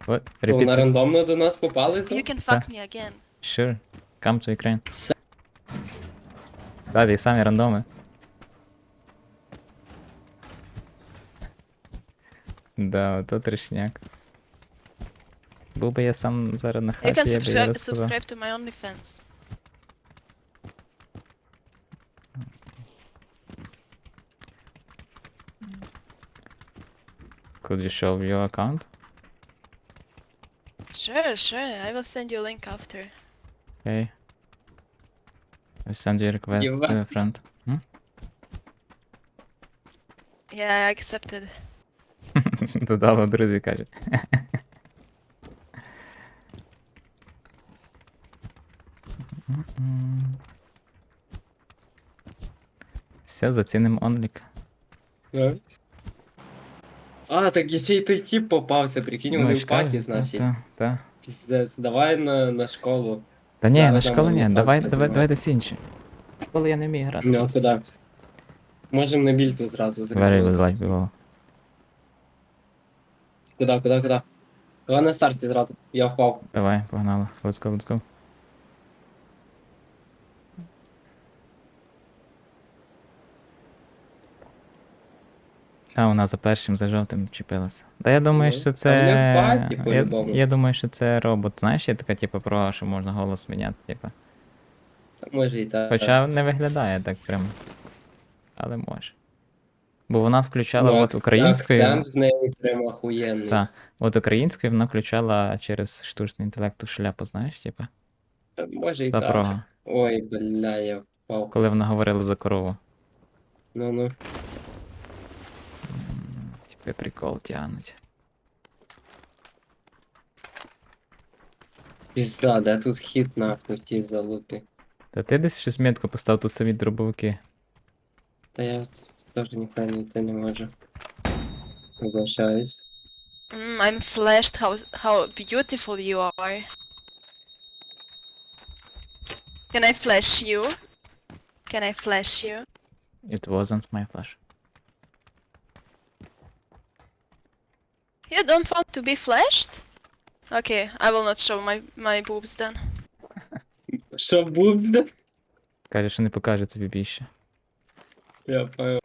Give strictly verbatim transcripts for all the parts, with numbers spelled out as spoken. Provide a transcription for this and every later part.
What? То Repeat вона this. рандомно до нас попали You знов? can fuck me again. Sure. Come to Ukraine. С- Да, і самі рандоми. Да, ото трешняк. Був би я сам зараз на You хаті, can я б їй subscribe, розказав. subscribe to my OnlyFans. Could you show your account? Sure, sure. I will send you a link after. Okay. I send you a request Єва. to a friend. Hm? Yeah, I accepted. Додало, друзі, каже. Все, заціним онлік. А? А, так і ще й той тип попався, прикинь, вони в паті, значить. Та, та. Піздець, давай на, на школу. Та ні, Зараз на там школу ні, OnlyFans давай, давай, познімаю. давай десь інше. Школи я не вмію грати. Ну, а просто. куди? Можем на більту зразу Very зробити. good life було. Куди, куди, куди? Давай на старті зразу. Я впав. Давай, погнали. Let's go, let's go. А, вона за першим, за жовтим чіпилася. Та я думаю, Ну, що та це. вони в паті, я, по-любому. я думаю, що це робот. Знаєш, є така, типу, про, що можна голос міняти, типу. Та може і так. Хоча не виглядає так прям. Але може. Бо вона включала Ну, от українською. Акцент в неї прям охуєнний. Та, от українською вона включала через штучний інтелект ту шляпу, знаєш, типу. Та може і Та так. прого. Ой, бля, я впав. Коли вона говорила за корову. Ну-ну. Типу прикол тягнуть. Пізда, де тут хід нахуй ті залупі. Та ти десь щось метку постав тут самі дробовики. Та я теж ніхай знайти не можу. Вибачаюсь. Mm, I'm flashed. How how beautiful you are. Can I flash you? Can I flash you? It wasn't my flash. You don't want to be flashed? Okay, I will not show my my boobs then. Що бубзде? Каже, що не покаже тобі більше. Я понял.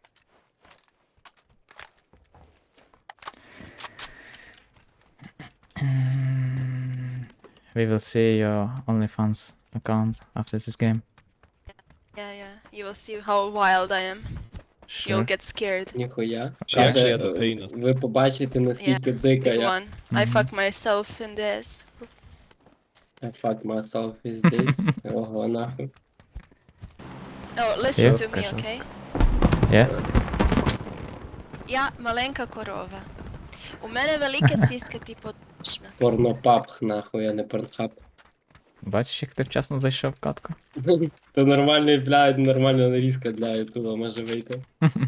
We will see your OnlyFans account after this game. Yeah, yeah. You will see how wild I am. You'll Sure. get scared. Ніхуя. She actually has a Каже, penis. ви побачите, наскільки дика Big я. one. I Mhm. fuck myself in this. I fuck myself is this. Ого, нахуй. Oh, listen Я to me, скажу. okay? Yeah? Я маленька корова. У мене велике сіська, типу шме. Порнопап, нахуй, а не порнхаб. Бачиш, як ти вчасно зайшов в катку? То нормальний, блядь, нормальна нарізка для ютуба може вийти.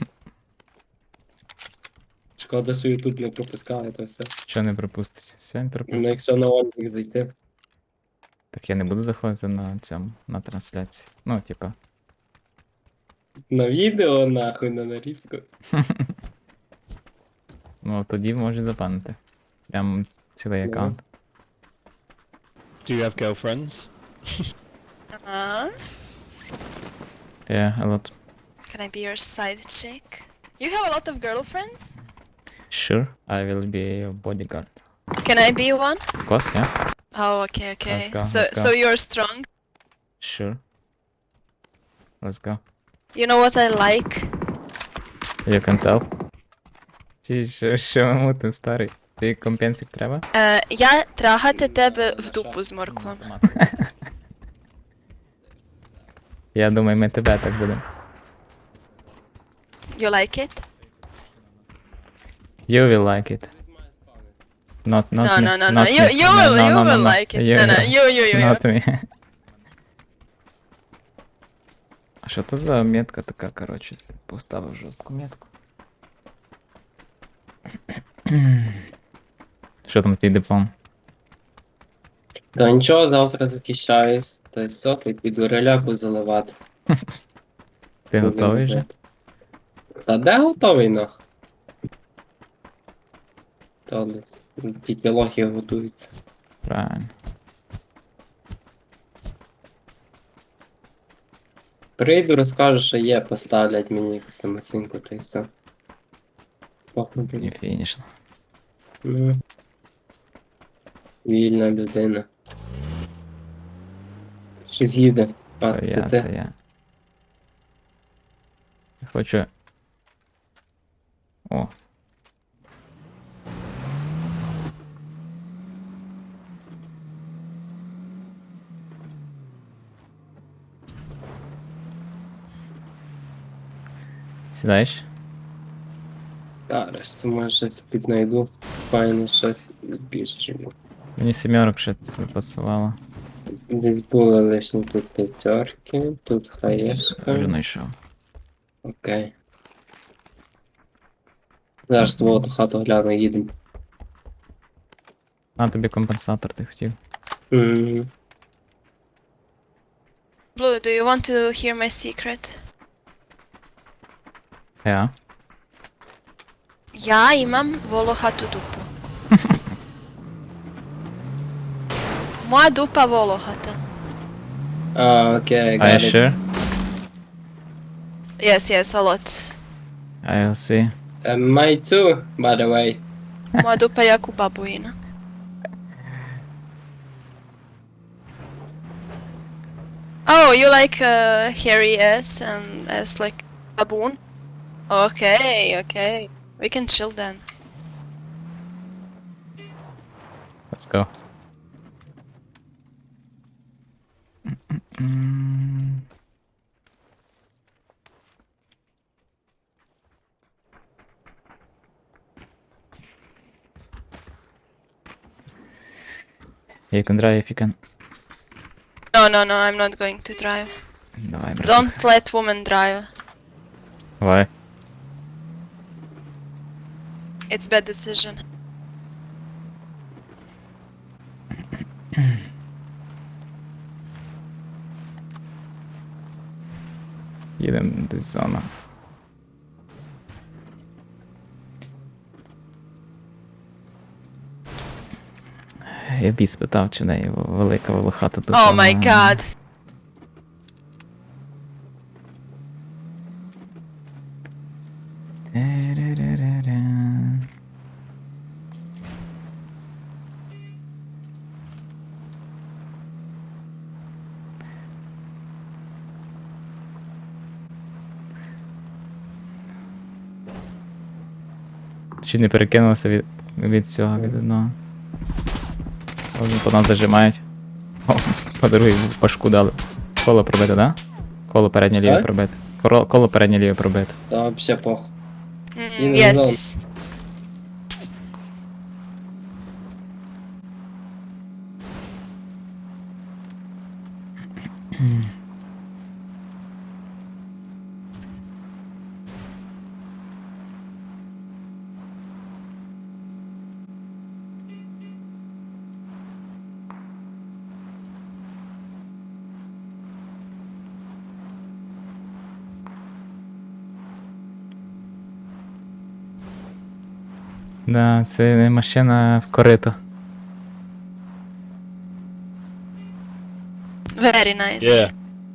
Шкода, що ютуб не пропускає це все. Що не пропустить? Все, не Ну, пропустить. якщо на онлік зайти. Так я не буду заходити на цьому, на трансляції. Ну, типа. На відео, нахуй, на нарізку. Ну, тоді можуть запанити. Прям цілий Ну. аккаунт. Do you have girlfriends? Uh, Yeah, a lot. can I be your side chick? You have a lot of girlfriends? Sure, I will be your bodyguard. Can I be one? Of course, yeah. Oh, okay, okay. Let's go, so, let's go. so you're strong. Sure. Let's go. You know what I like? You can tell. Чи що, що мути, старий? Ти компенсик треба? Е, я трагати тебе в дупу з морквом. Я думаю, ми тебе так будемо. You like it? You will like it. Not, not No, me. no, no, no. not You, me. you No, will, no, you no, no, will no. like it. You No, no, will. you, you, you. Not me. А що то за метка така, коротше? Поставив жорстку метку. Що там твій диплом? Та нічого, завтра захищаюсь. Та й все, ти піду реляку заливати. Ти готовий вже? Та де готовий, нах? То тільки лохи готуються. Правильно. Прийду, розкажу, що є, поставлять мені якусь там оцінку, та й все. Похуй, І блін. фінішно. Ну. Вільна людина. Щось їде. А, То це я, то ти. я. Я Хочу. О. Сідаєш? Зараз, це може щось піднайду. Файно щось більше. Мені сімерок ще пасувало. Десь були лишні тут п'ятерки, тут Вже хаєшка. знайшов. Окей. Зараз твого ту хату гляну, їдемо. А, тобі компенсатор ти хотів. Мгм. Blue, do you want to hear my secret? Я. Ja imam volohatu dupu. Moja dupa volohata. А, окей, Are you got it. sure? Yes, yes, a lot. I'll see. Uh, my too, by the way. Moja dupa je jako babuina. Oh, you like uh, hairy ass and ass like baboon? Okay, okay. We can chill then. Let's go. М. You can drive if you can. No, no, no, I'm not going to drive. Давай, брат. Don't let women drive. Давай. It's bad decision. Їдемо десь зона. Я бій спитав, чи в неї велика волохата тут. Oh my god. Чи не перекинулося від, від цього, від одного. Вони по нас зажимають. О, по другій башку дали. Коло пробити, да? Коло переднє ліве Так? пробити. Коло, коло переднє ліве пробити. Та вообще пох. Mm, In the yes. Да, це не машина в корито. Very nice. Yeah.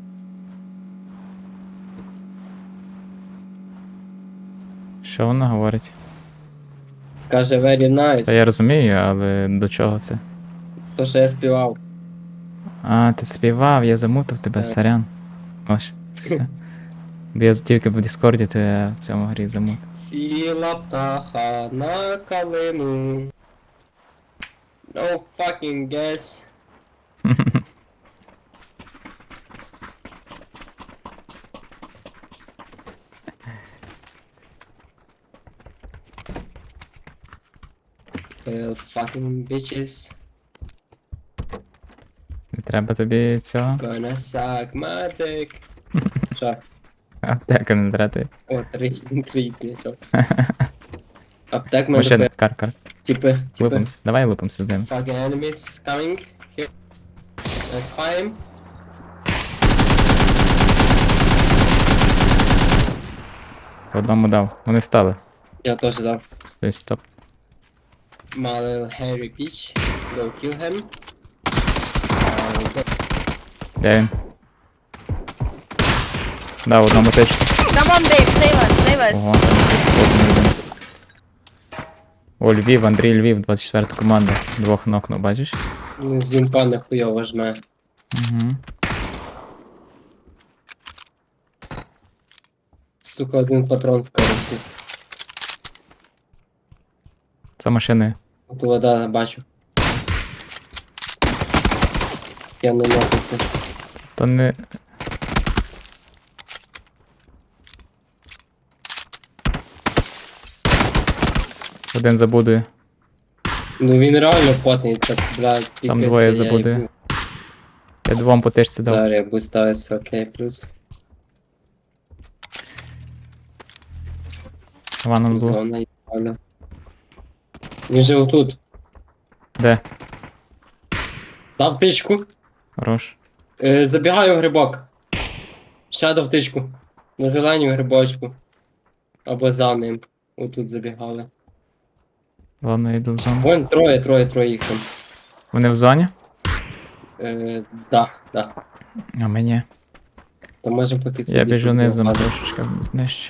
Що вона говорить? Каже, very nice. Та я розумію, але до чого це? То, що я співав. А, ти співав, я замутив тебе, Так. сорян. Ось, все. Бо я тільки в Діскорді, то я в цьому грі замутив. Сіла птаха на калину. No fucking guess. Well, fucking bitches Не треба тобі цього. gonna suck my dick. Що? Аптека не треба тобі. О, три, три, п'ятьох. Аптек мене Машина, тепер, кар, кар. типи, типи. Лупимся. Давай лупимся з ним. Fucking enemies coming. Here. Let's climb. По одному дав. Вони стали. Я теж дав. Тобто стоп. My little hairy bitch. Go kill him. Uh, Де він? Да, в одному течку. Come on, babe, save us, save us. Ого, там якийсь плотний один. О, Львів, Андрій Львів, двадцять четверта команда. Двох нокнув, бачиш? Ну, з імпа нахуйово жме. Угу. Сука, один патрон в коробці. За машиною. От вода бачу. Я не нокнувся. То не. Один забудує. Ну він реально потний, так, блядь, Там пікається, двоє я забудує. їбу. Я двом по течці дав. Зараз я буставиться, окей, плюс. Ваном було. Зона їбана. Він же отут. Де? Дав птичку. Хорош. Е, забігаю в грибок. Ще дав птичку. На зеленю грибочку. Або за ним. Отут забігали. Ладно, я йду в зону. Вон троє, троє, троє їх там. Вони в зоні? Е, да, да. А мені. То може поки це Я біжу відео низом падає. трошечки нижче.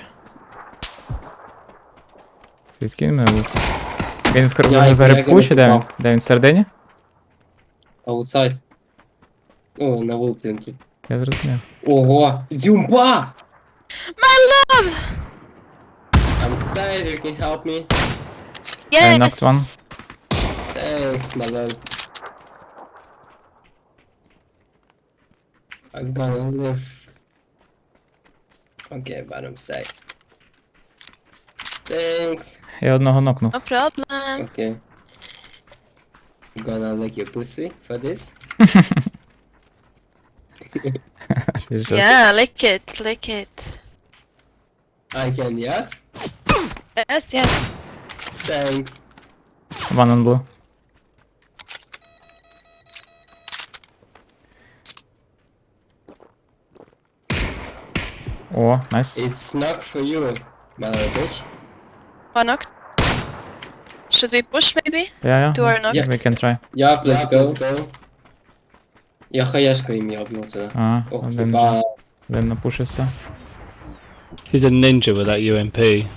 Звідки він мене був? Він в кр- Я в його- грибку я чи де він? його Де він всередині? Аутсайд. О, на вулиці він тут. Я зрозумів. Ого! Дзюмба! My love! I'm sorry, you can help me. I knocked one. Yes! Thanks, my love. I'm gonna live. Okay, but I'm safe. Thanks. Я одного нокнув. No problem. Okay. I'm gonna lick your pussy for this. Ти що? Yeah, lick it, lick it. I can, yes? Yes, yes. Thanks. One on blue. О, найс. It's not for you, my little bitch. One knocked. Should we push maybe? Я, я. Two are knocked. We can try. Yeah, let's go. Я хаешку им ебнул туда. А, Ох, один, ебать. один напушився. He's a ninja with that U M P.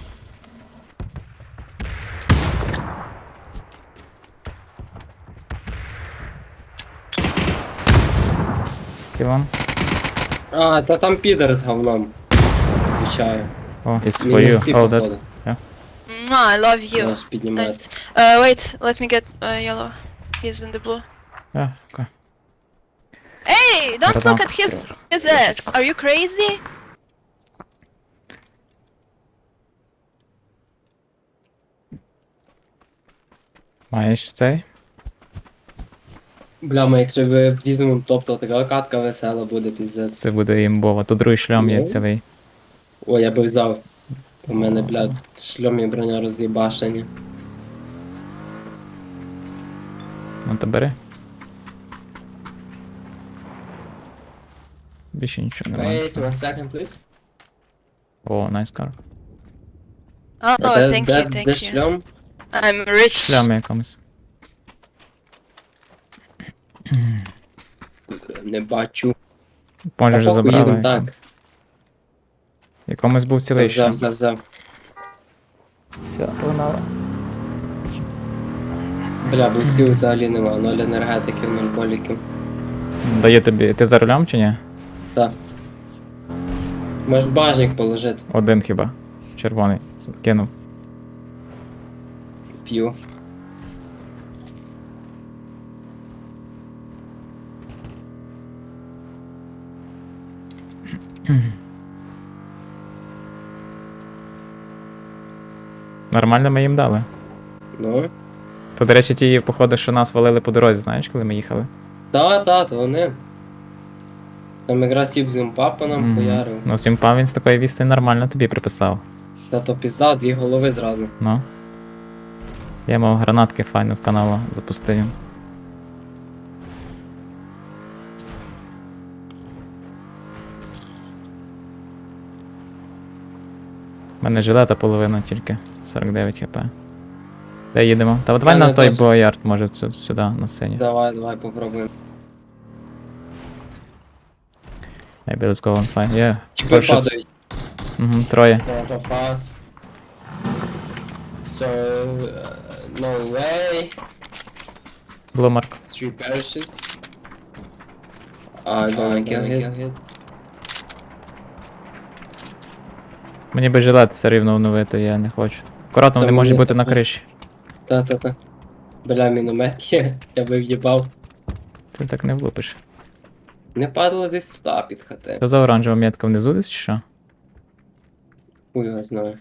Кілон. А, та там підер з говном. Звичайно. О, it's for Мінус you. всі, Oh, that. походу. Mwah, I love you. Нас піднімає. Nice. Uh, wait, let me get uh, yellow. He's in the blue. Yeah, okay. Hey, don't Right look now. at his his ass. Are you crazy? Маєш цей? Бля, ми якщо ви візьмемо топ, то така катка весела буде, піздець. Це буде імбово. Тут другий шльом є Ну. цілий. О, я би взяв. У мене, блядь, шльом і броня роз'їбашені. Ну то бери. Більше нічого немає. Wait one second, please. О, найс кар. Oh, Де- thank де- you, thank де you. шльом? I'm rich. Шлям якомусь. Не бачу. Може Та вже похуй, забрали. їдемо, так. якомусь. Якомусь був цілий Взяв, шлям. взяв, взяв. Все, погнали. Бля, бустів взагалі нема, ноль енергетиків, нуль боліків. Дає тобі. Ти за рулем чи ні? Так. Можеш бажник положити. Один хіба. Червоний. Кинув. П'ю. Нормально ми їм дали. Ну. То, до речі, ті, походу, що нас валили по дорозі, знаєш, коли ми їхали? Та, та, то вони. Там якраз тип з імпа по нам Мгм. хуярив. Ну, цим пан він з такої відстані нормально тобі приписав. Та то пізда, дві голови зразу. Ну. Я мав гранатки файно в каналу запустив. їм. У мене жилета половина тільки. сорок дев'ять хп. Де їдемо? Та давай Я на не той теж. боярд, може сю- сюди, на синю. Давай, давай попробуємо. Maybe let's go on fine. Yeah. Типи Parachutes. падають. Угу, троє. Front of us. So, uh, no way. Блумарк. Three parachutes. I don't kill hit. Мені би жилет все рівно оновити, я не хочу. Акуратно, Та вони можуть мені бути на таке. криші. Та-та-та. Бля, міномет є. Я би в'їбав. Ти так не влупиш. Не падало десь туди під хати. Що за оранжева метка внизу десь чи що? Хуй його знаю.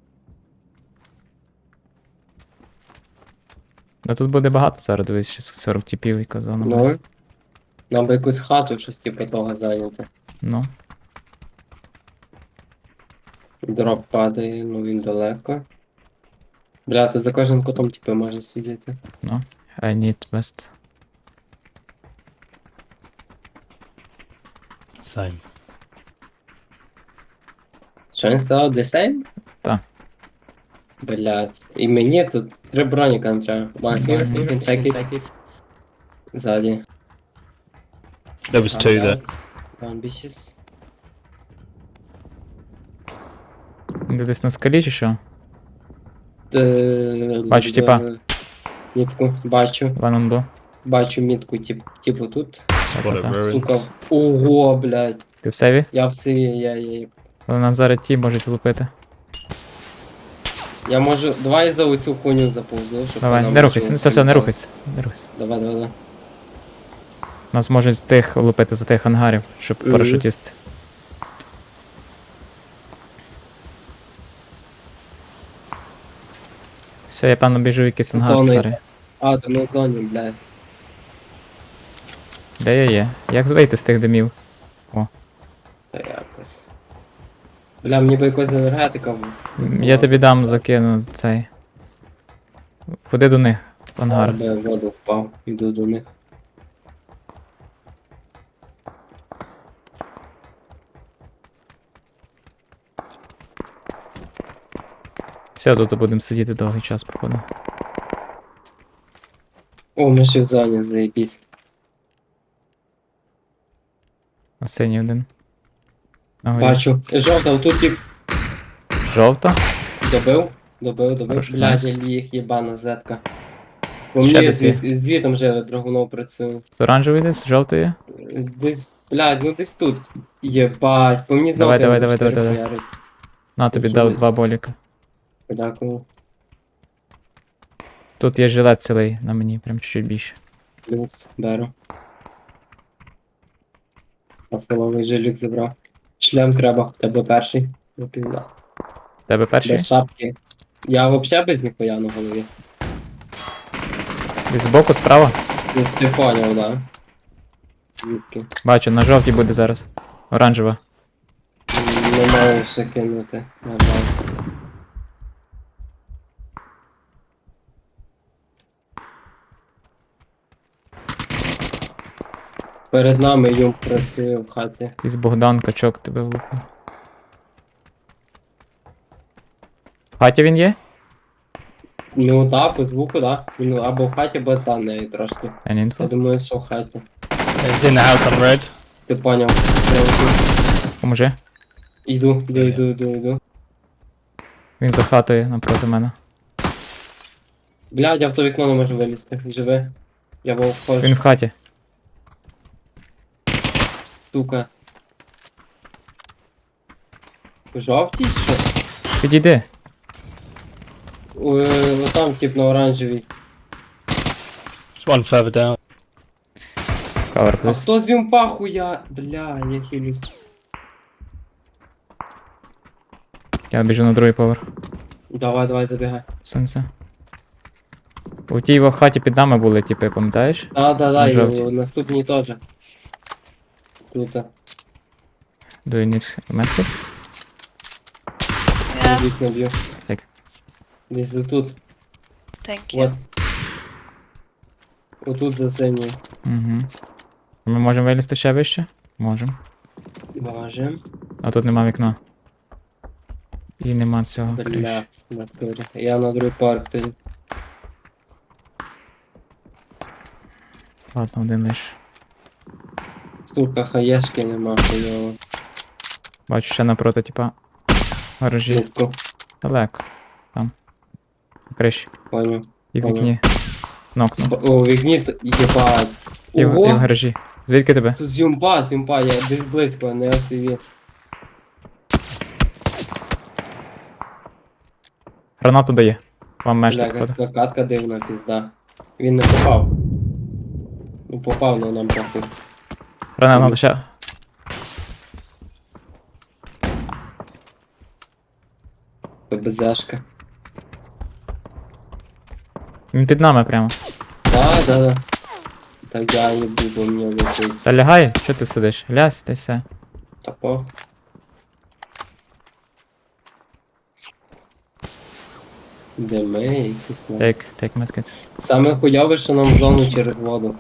Ну тут буде багато зараз, дивись, ще сорок тіпів і казано. Ну. Нам би якусь хату, щось типу того зайняти. Ну. Дроп падає, ну він далеко. Бля, то за кожним кутом типу може сидіти. Ну. I need best. Same. Що він сказав? Десейн? Та. Блять. І мені тут три броніка не треба. One here, Мгм. you can check it. Ззаді. There was two there. One bitches. Де десь на скалі чи що? Е, Бачу, типа. Мітку, бачу. One on blue. Бачу мітку, тип, типу тут. Spotted Та-та-та. ruins. Сука. Ого, блядь. Ти в севі? Я в сиві, я, я, Але нас зараз ті можуть лупити. я можу. Давай за оцю хуйню заповзу, щоб Давай, вона не може рухайся, ну все, все, не впала. рухайся. Не рухайся. Давай, давай, давай. Нас можуть з тих лупити за тих ангарів, щоб Мгм. парашутісти. Все, я певно біжу в якийсь ангар Зони. старий. А, то на зоні, блядь. Де я є? Як вийти з тих димів? Та якось. Бля, мені би якось енергетика. в- М, Я тобі дам закину цей. Ходи до них, в ангар. Я в воду впав, іду до них. Все, тут будемо сидіти довгий час, походу. О, ми ще в зоні, заєбісь. На синій один. На горі. Бачу. Жовта, отут тип Жовта? добив. Добив, добив. Хорошо, Блядь, найс. я ліг, єбана зетка. Бо Ще мені десь є. звід, звітом вже драгунов працює. З оранжевий десь, з жовтої? Десь, блядь, ну десь тут. Єбать, по мені знову Давай, давай, треба давай, чотири давай, давай. хуярить. На, тобі Який дав десь. два боліка. Дякую. Тут є жилет цілий на мені, прям чуть-чуть більше. Плюс, беру. Афиловий жилік забрав. Шлем треба, тебе перший. Ну, пізда. Тебе перший? Без шапки. Я вообще без ніхуя на голові. Десь збоку, справа? Ну, ти поняв, да? Звідки? Бачу, на жовтій буде зараз. Оранжева. М, Не можу все кинути, на жаль. Перед нами юм працює в хаті. Якийсь Богдан качок тебе влупив. В хаті він є? Ну так, по звуку, да. Він або в хаті, або за нею трошки. Я не Я інфо. думаю, що в хаті. He's in the house on red. Ти поняв. Прям Поможи. Іду, іду, іду, іду, іду. Він за хатою напроти мене. Блядь, я в то вікно не можу вилізти. Живе. Я вовк ходжу. Він в хаті. Сука. Жовтій що? Підійди. О, там тип на оранжевій. There's one further down. Cover, А please. хто з вімпа хуя? Бля, я хилюсь. Я біжу на другий поверх. Давай, давай, забігай. Сонце. У тій його хаті під нами були, типи, пам'ятаєш? Да, да, да, На і жовтій. у наступній теж. Круто. Do you need medkit? Yeah, Вікна б'ю. Так. Десь отут. thank you. От. Отут за синьою. Угу. Ми можемо вилізти ще вище? Можемо. Боже. А тут нема вікна. І нема цього криші. Бля, в натурі. Я на другий парк тоді. Ладно, один лиш. Сука, хаєшки нема хуйово. Бачу ще напроти, типа. Гаражі. Жутко, Далеко. Там. На криші. понял. І в Ага. вікні. Нокнув. Б- О, вікні, т- єбать. І в, і в Ого! гаражі. Звідки тебе? Тут зюмпа, зюмпа, я десь близько, не осиві. Гранату дає. Вам меш Бля, так якась ходить. катка дивна, пізда. Він не попав. Ну попав, но нам похуй. Гранату ще. ПБЗшка. Він під нами прямо. Да, да, да. Так я їбу, бо мені летить. Та лягай, що ти сидиш? Лясь, та й все. Та похуй. Дими, якісь на. Тейк, тейк медкит. Саме хуйове, що нам в зону через воду.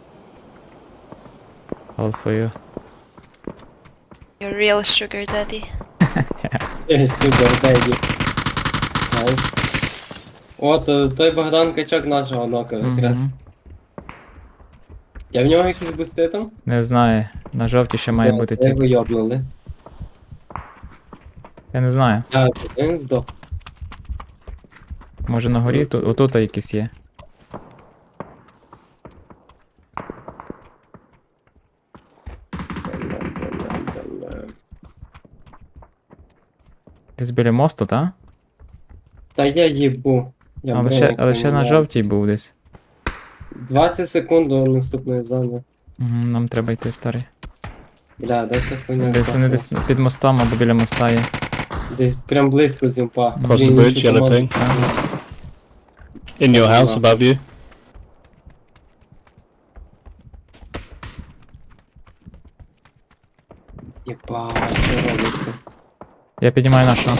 All for you. You're real sugar daddy. Е, Супер, деді. Найс. О, то, той Богдан Качок нашого нока якраз. Мгм. Я в нього якісь бусти там? Не знаю. На жовті ще має О, бути це тип. його йобнули. Я не знаю. А, він здох. Може на горі? Тут, отут якісь є. Десь біля мосту, та? Та я їбу. Я Але бронік ще, але ще на поміняв. жовтій був десь. двадцять секунд до наступної зони. Угу, нам треба йти, старий. Бля, де ця хуйня? Десь вони здохла? десь під мостом або біля моста є. Десь прям близько з юмпа. Across Блін, the bridge, нічого yellow команд- ping. In your house above you. Єбать, що робиться? Я піднімаю нашого.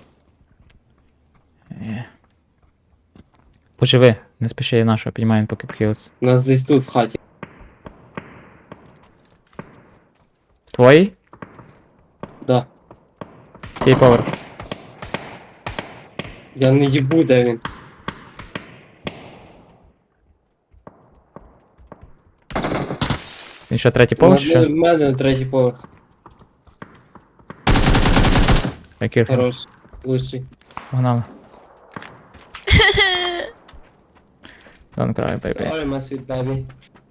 Є. Поживи, не спіши я нашого, піднімаю він поки похилиться. У нас десь тут в хаті. Твої? Да. Який поверх? Я не їбу, де він. Він що, третій поверх? чи На- Що? В мене третій поверх. Який? Хорош. Лучший. Погнали. Don't cry, baby. Sorry, my sweet baby.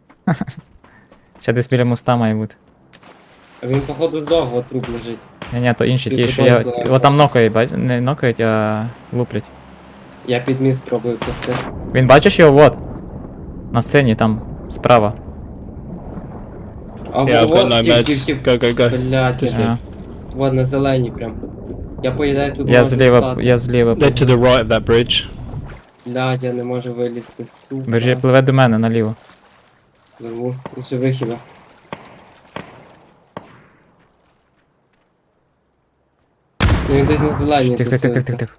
Ще десь біля моста має бути. А він, походу, здох, от труп лежить. Ні, ні, то інші, Ти ті, що тупо я. вбиваєш. О, там нокають, бач? Не нокають, а луплять. Я під міст пробую пусти. Він бачиш його? Вот. На сцені, там, справа. А Yeah, I've got вот, no тіп, тіп, meds. тіп. Go, go, go. Блядь, Just А, вот на зеленій прям. Я поїдаю тут я можу зліва, встати. я зліва. They're to the right of that bridge. Блядь, я не можу вилізти, сука. Бежи, пливе до мене наліво. Живу. Лише вихіла. Ну він десь на зеленій Тих, тих, тих, тих, тусується. тих, тих.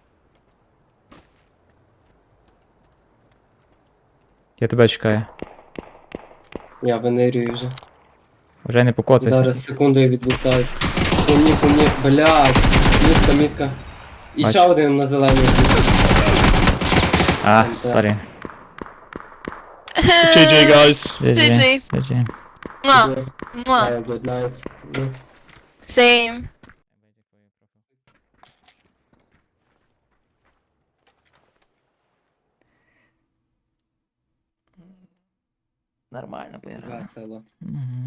Я тебе чекаю. Я венерюю вже. Вже не покоцайся. Зараз секунду я відвистаюсь. По мені, по мені, блядь. Мітка, мітка. І Бачу. ще один на зеленій. А, Так. сорі. G G, guys. Джі Джі джі. Джі. Mwah. Mwah. Have a good night. Ну. Same. Нормально поіграли. Весело. Угу.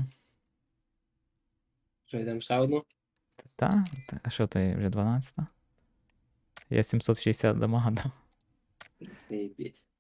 Що, йдемо ще одну? Та? Та, а що ти вже дванадцята? Я сімсот шістдесят дамага дав. Заєбісь.